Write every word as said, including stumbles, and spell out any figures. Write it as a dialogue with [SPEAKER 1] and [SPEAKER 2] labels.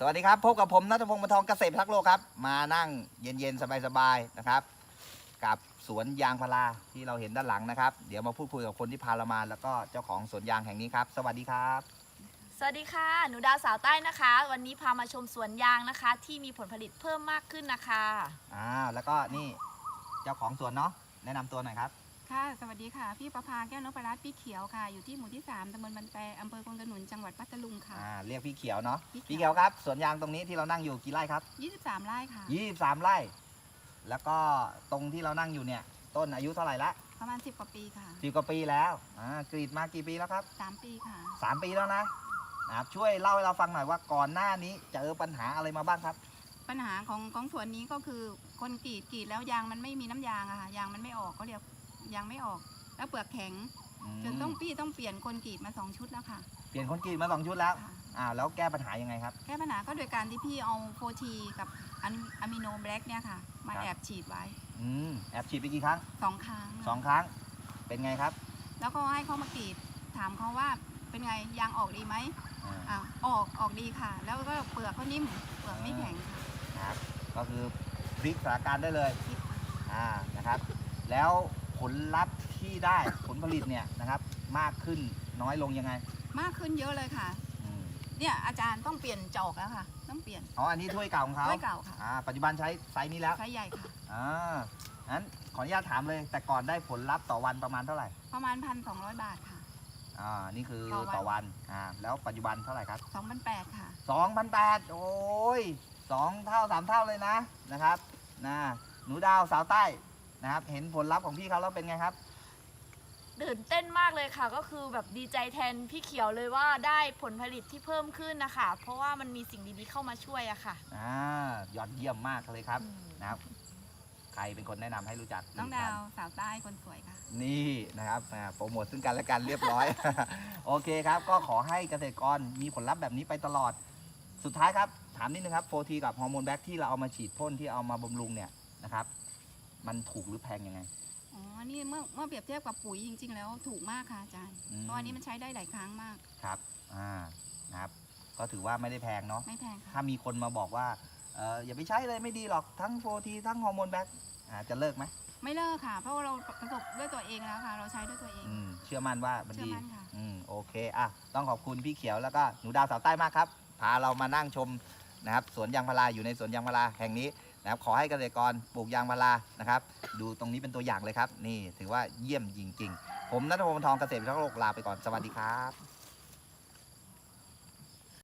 [SPEAKER 1] วัสดีครับพบกับผมณัฐพงศ์ บรรทอง เกษตรพิทักษ์โลกครับมานั่งเย็นๆสบายๆนะครับกับสวนยางพาราที่เราเห็นด้านหลังนะครับเดี๋ยวมาพูดคุยกับคนที่พาเรามาแล้วก็เจ้าของสวนยางแห่งนี้ครับสวัสดีครับ
[SPEAKER 2] สวัสดีค่ะหนูดาวสาวใต้นะคะวันนี้พามาชมสวนยางนะคะที่มีผลผลิตเพิ่มมากขึ้นนะคะ
[SPEAKER 1] อ่าแล้วก็นี่เจ้าของสวนเนาะแนะนำตัวหน่อยครับ
[SPEAKER 3] ค่ะสวัสดีค่ะพี่ประภาแก้วนพรัตน์พี่เขียวค่ะอยู่ที่หมู่ที่สามตำบลบันแปอำเภอคงกระหนุนจังหวัดพัทลุงค่ะ
[SPEAKER 1] อ่าเรียกพี่เขียวเนาะ
[SPEAKER 3] พี่เขียว
[SPEAKER 1] พี่เขียวครับสวนยางตรงนี้ที่เรานั่งอยู่กี่ไร่ครับ
[SPEAKER 3] ยี่สิบสามไร่ค่ะ
[SPEAKER 1] ยี่สิบสามไร่แล้วก็ตรงที่เรานั่งอยู่เนี่ยต้นอายุเท่าไหร่ละ
[SPEAKER 3] ประมาณสิบกว่าปีค่ะ
[SPEAKER 1] สิบกว่าปีแล้วอ่ากรีดมากี่ปีแล้วครับ
[SPEAKER 3] สามปีค่ะ
[SPEAKER 1] สามปีแล้วนะนะครับช่วยเล่าให้เราฟังหน่อยว่าก่อนหน้านี้เจอปัญหาอะไรมาบ้างครับ
[SPEAKER 3] ปัญหาของของสวนนี้ก็คือคนกรีดกรีดแล้วยางมันไม่มีน้ำยางอะค่ะยางมันไม่ออกเขาเรียกยางไม่ออกแล้วเปลือกแข็งจนต้องพี่ต้องเปลี่ยนคนกรีดมาสองชุดแล้วค่ะ
[SPEAKER 1] เปลี่ยนคนกรีดมาสองชุดแล้วอ่าแล้วแก้ปัญหายังไงครับ
[SPEAKER 3] แก้ปัญหาก็โดยการที่พี่เอาโฟทีกับอะมิโนแบล็กเนี่ยค่ะมาแอบฉีดไว้
[SPEAKER 1] อืมแอบฉีดไปกี่ครั้ง
[SPEAKER 3] สองครั้ง
[SPEAKER 1] สองครั้งเป็นไงครับ
[SPEAKER 3] แล้วก็ให้เขามากรีดถามเขาว่าเป็นไงยางออกดีไหมอ่าออกออกดีค่ะแล้วก็เปลือกก็นิ่มเปลือกไม่แข็ง
[SPEAKER 1] ค่ะครับก็คือพลิกสถานการณ์ได้เลยอ่านะครับแล้วผลลัพธ์ที่ได้ผลผลิตเนี่ยนะครับมากขึ้นน้อยลงยังไง
[SPEAKER 3] มากขึ้นเยอะเลยค่ะเนี่ยอาจารย์ต้องเปลี่ยนจอกแล้วค่ะต้องเปลี่ยน
[SPEAKER 1] อ๋ออันนี้ถ้วยเก่าของเขา
[SPEAKER 3] ถ้วยเก่าค่ะ
[SPEAKER 1] อ่าปัจจุบันใช้ไซส์นี้แล้ว
[SPEAKER 3] ไซส์ใหญ่ค่ะ
[SPEAKER 1] อ่างั้นขออนุญาตถามเลยแต่ก่อนได้ผลลัพธ์ต่อวันประมาณเท่าไหร่
[SPEAKER 3] ประมาณพันสองร้อยบาทค่ะ
[SPEAKER 1] อ่านี่คือต่อวันอ่าแล้วปัจจุบันเท่าไหร่ครับ
[SPEAKER 3] สองพันแปดค่ะ
[SPEAKER 1] สองพันแปดโอ้ยสองเท่าสามเท่าเลยนะนะครับนะหนูดาวสาวใต้นะครับเห็นผลลัพธ์ของพี่เขาแล้วเป็นไงครับ
[SPEAKER 2] ตื่นเต้นมากเลยค่ะก็คือแบบดีใจแทนพี่เขียวเลยว่าได้ผลผลิตที่เพิ่มขึ้นนะคะเพราะว่ามันมีสิ่งดีๆเข้ามาช่วยอะค่ะ
[SPEAKER 1] อ่ายอดเยี่ยมมากเลยครับนะครับใครเป็นคนแนะนำให้รู้จัก
[SPEAKER 3] น้องดาวสาวใต้คนสวยค่ะ
[SPEAKER 1] นี่นะครับโปรโมทซึ่งกันและกันเรียบร้อย โอเคครับก็ขอให้เกษตรกรมีผลลัพธ์แบบนี้ไปตลอดสุดท้ายครับถามนิดนึงครับโฟทีกับฮอร์โมนแบ็กที่เราเอามาฉีดพ่นที่เอามาบำรุงเนี่ยนะครับมันถูกหรือแพงยังไง
[SPEAKER 3] อ๋อนี่เมื่อเมื่อเปรียบเทียบกับปุ๋ยจริงๆแล้วถูกมากค่ะอาจารย์เพราะอันนี้มันใช้ได้หลายครั้งมาก
[SPEAKER 1] ครับอ่านะครับก็ถือว่าไม่ได้แพงเนาะ
[SPEAKER 3] ไม่แพงค่ะ
[SPEAKER 1] ถ้ามีคนมาบอกว่าเอออย่าไปใช้เลยไม่ดีหรอกทั้งโฟทีทั้งฮอร์โมนแบ็กจะเลิกไหม
[SPEAKER 3] ไม่เลิกค่ะเพราะว่าเราประสบด้วยตัวเองแล้วค่ะเราใช้ด้วยตัวเอง
[SPEAKER 1] เชื่อมั่นว่ามันดี
[SPEAKER 3] เชื่อมั่นค่ะ
[SPEAKER 1] อืมโอเคอ่ะต้องขอบคุณพี่เขียวแล้วก็หนูดาวสาวใต้มากครับพาเรามานั่งชมนะครับสวนยางพาราอยู่ในสวนยางพาราแห่งนี้นะครับขอให้เกษตรกรปลูกยางพารานะครับดูตรงนี้เป็นตัวอย่างเลยครับนี่ถือว่าเยี่ยมจริงๆผมณัฐพงศ์ ทอง เกษตรพิทักษ์โลกลาไปก่อนสวัสดีครับ